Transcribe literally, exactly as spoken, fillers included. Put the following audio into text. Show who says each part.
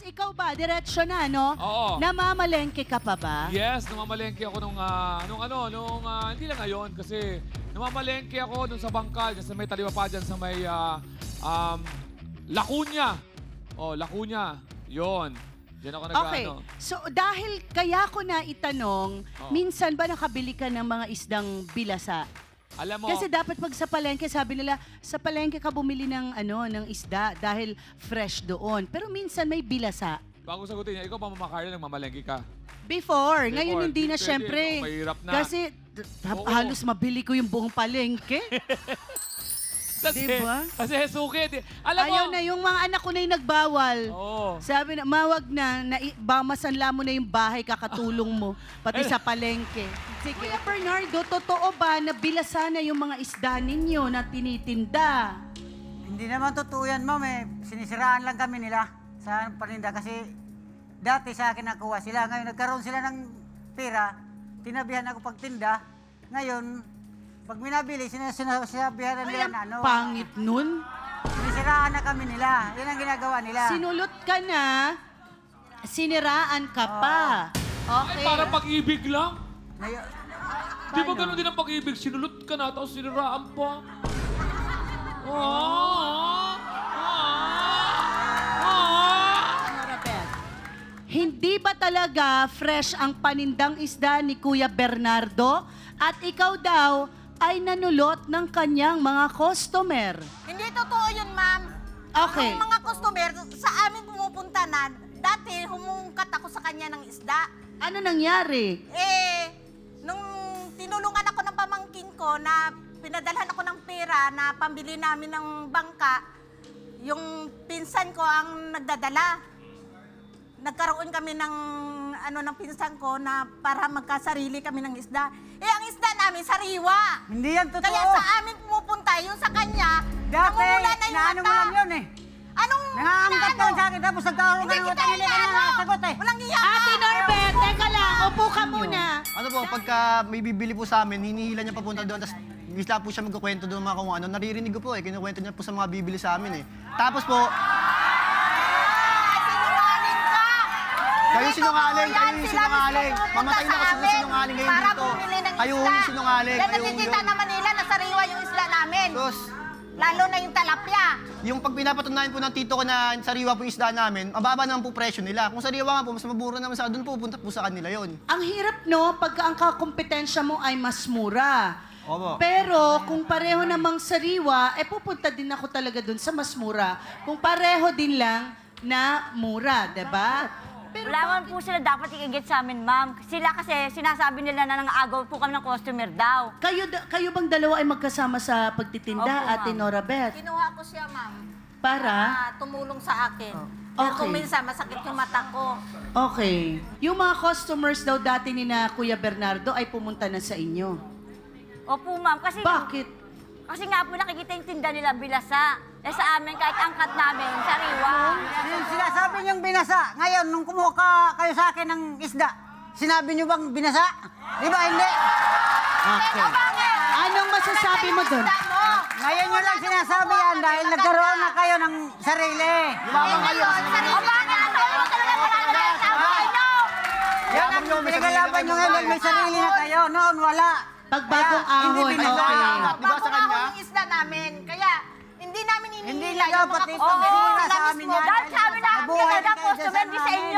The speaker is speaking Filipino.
Speaker 1: ikaw ba, diretsyo na, no?
Speaker 2: Oo.
Speaker 1: Namamalengke ka pa ba?
Speaker 2: Yes, namamalengke ako nung, ah, nung ano, nung, ah, hindi lang ngayon kasi namamalengke ako nung sa Bangkal, kasi may taliwa pa dyan sa may, ah, um, Lacuna. Oh, Lacuna. Yon. Diyan ako
Speaker 1: Okay.
Speaker 2: nag-ano.
Speaker 1: So, dahil kaya ko na itanong,
Speaker 2: Oo.
Speaker 1: minsan ba nakabili ka ng mga isdang bilasa?
Speaker 2: Alam mo,
Speaker 1: Kasi dapat pag sa palengke, sabi nila, sa palengke ka bumili ng, ano, ng isda dahil fresh doon. Pero minsan may bilasa.
Speaker 2: bago sagutin niya, ikaw pa Mama Carla, nagmamalengke ka.
Speaker 1: Before,
Speaker 2: Before,
Speaker 1: ngayon hindi na
Speaker 2: pwede,
Speaker 1: syempre.
Speaker 2: no, mahirap na.
Speaker 1: Kasi d-
Speaker 2: Oo.
Speaker 1: halos mabili ko yung buong palengke.
Speaker 2: Kasi,
Speaker 1: Diba?
Speaker 2: kasi sukit. eh. Alam
Speaker 1: Ayaw
Speaker 2: mo,
Speaker 1: na, yung mga anak ko na yung nagbawal.
Speaker 2: Oo.
Speaker 1: Sabi na, mawag na, na bamasanla mo na yung bahay, kakatulong mo, pati sa palengke. Sige. Kuya Bernardo, totoo ba na bilasa na yung mga isda ninyo na tinitinda?
Speaker 3: Hindi naman totoo yan, ma'am. Eh. Sinisiraan lang kami nila sa paninda kasi dati sa akin nakuha sila. Ngayon nagkaroon sila ng pera, tinabihan ako pagtinda. Ngayon, pag minabili, sinas- sinasabihan na
Speaker 1: Ay,
Speaker 3: nila
Speaker 1: ang
Speaker 3: na ano.
Speaker 1: pangit nun.
Speaker 3: Sinisiraan na kami nila. Yan ang ginagawa nila.
Speaker 1: Sinulot ka na, siniraan ka pa.
Speaker 2: ay,
Speaker 1: Okay.
Speaker 2: para pag-ibig lang.
Speaker 3: Ngayon,
Speaker 2: Di ba ganun din ang pag-ibig? Sinulot ka na, tapos siniraan pa. Ah, ah, ah, ah.
Speaker 1: Hindi ba talaga fresh ang panindang isda ni Kuya Bernardo? At ikaw daw ay nanulot ng kanyang mga customer.
Speaker 4: Hindi totoo yun, ma'am.
Speaker 1: Okay.
Speaker 4: Ang mga customer, sa amin pumupunta na, dati humungkat ako sa kanya ng isda.
Speaker 1: Ano nangyari?
Speaker 4: Eh, nung tinulungan ako ng pamangkin ko na pinadalhan ako ng pera na pambili namin ng bangka, yung pinsan ko ang nagdadala. Nagkaroon kami ng ano ng pinsan ko na para magkasarili kami ng isda. Eh, ang isda namin, sariwa.
Speaker 3: hindi yan totoo.
Speaker 4: Kaya sa amin pumupunta, yung sa kanya,
Speaker 3: Dati,
Speaker 4: namumula na yung
Speaker 3: naano mo
Speaker 4: mata.
Speaker 3: lang yun eh.
Speaker 4: Anong
Speaker 3: Nangangamkat ka lang sa akin, tapos nagkaroon ka
Speaker 4: Hindi
Speaker 3: ng
Speaker 4: kita
Speaker 3: utanili ka na
Speaker 4: inaano.
Speaker 3: sagot eh.
Speaker 4: Walang iya ka.
Speaker 1: Ate Norbert, teka lang, upo ka muna.
Speaker 5: Ano po, pagka may bibili po sa amin, hinihila niya papunta doon, tapos bigla po siya magkukwento doon mga kung ano. Naririnig ko po eh, kinukwento niya po sa mga bibili sa amin eh. Tapos po,
Speaker 4: Sinungaling ka.
Speaker 5: kayo
Speaker 4: Hindi
Speaker 5: sinungaling,
Speaker 4: totoo
Speaker 5: kayo
Speaker 4: yan.
Speaker 5: yung
Speaker 4: Sila
Speaker 5: sinungaling.
Speaker 4: mismo
Speaker 5: Mamatay na
Speaker 4: pumunta
Speaker 5: kasi
Speaker 4: sa
Speaker 5: ng
Speaker 4: amin
Speaker 5: sinungaling ngayon
Speaker 4: para
Speaker 5: dito.
Speaker 4: bumili ng
Speaker 5: Kayo
Speaker 4: isda.
Speaker 5: yung sinungaling,
Speaker 4: Yan
Speaker 5: kayo
Speaker 4: nakikita
Speaker 5: yung...
Speaker 4: naman nila na sariwa yung isda namin.
Speaker 5: Sus,
Speaker 4: Lalo na yung talapya.
Speaker 5: yung pag pinapatunayan po ng tito ko na sariwa po yung isda namin, mababa naman po presyo nila. Kung sariwa nga po, mas mabura naman sa doon po, punta po sa kanila yon.
Speaker 1: Ang hirap, no, pagka ang kakompetensya mo ay mas mura.
Speaker 5: Opo.
Speaker 1: Pero kung pareho namang sariwa, eh pupunta din ako talaga dun sa mas mura. Kung pareho din lang na mura, 'di ba? Pero
Speaker 6: Wala man po sila dapat ikigit sa amin, ma'am. Sila kasi sinasabi nila na nang-agaw po kami ng customer daw.
Speaker 1: kayo da- kayo bang dalawa ay magkasama sa pagtitinda,
Speaker 6: Opo,
Speaker 1: Ate
Speaker 6: ma'am.
Speaker 1: Nora Beth?
Speaker 4: Kinuha ko siya, ma'am.
Speaker 1: Para?
Speaker 4: Na tumulong sa akin. Kaya
Speaker 1: Okay.
Speaker 4: kung minsan masakit yung mata ko.
Speaker 1: Okay. Yung mga customers daw dati ni na Kuya Bernardo ay pumunta na sa inyo.
Speaker 6: Opo, ma'am. Kasi,
Speaker 1: Bakit?
Speaker 6: kasi nga po nakikita yung tinda nila bilasa. Eh sa amin, kahit angkat namin, sariwa.
Speaker 3: Sin- Sinasabi niyong binasa. Ngayon, nung kumuha ka kayo sa akin ng isda, sinabi niyo bang binasa? Di ba hindi?
Speaker 1: Okay. Anong masasabi mo dun?
Speaker 4: Isda mo.
Speaker 3: Ngayon nyo lang sinasabi yan dahil nagkaroon na kayo ng sarili.
Speaker 5: Yumabang kayo.
Speaker 4: O bakit ang sabi mo talaga wala na tayo sa buhay nyo?
Speaker 3: Yan ang pinagalaban nyo ngayon, may sarili na kayo. Noon, wala.
Speaker 1: Pagbagong
Speaker 3: Kaya, hindi
Speaker 1: ahon,
Speaker 3: binasa.
Speaker 1: okay.
Speaker 5: Di ba sa kanya?
Speaker 4: Bago yung isda namin. Kaya, hindi namin
Speaker 3: Hindi
Speaker 4: ininila
Speaker 3: nila
Speaker 4: yung mga
Speaker 3: pati
Speaker 4: customer.
Speaker 3: ito,
Speaker 4: Sila
Speaker 3: sa amin
Speaker 4: mismo.
Speaker 3: yan.
Speaker 6: Dahil sabi na,
Speaker 3: Nabuhay
Speaker 6: talaga
Speaker 3: kayo sa
Speaker 6: customer, di sa
Speaker 3: sana.
Speaker 6: inyo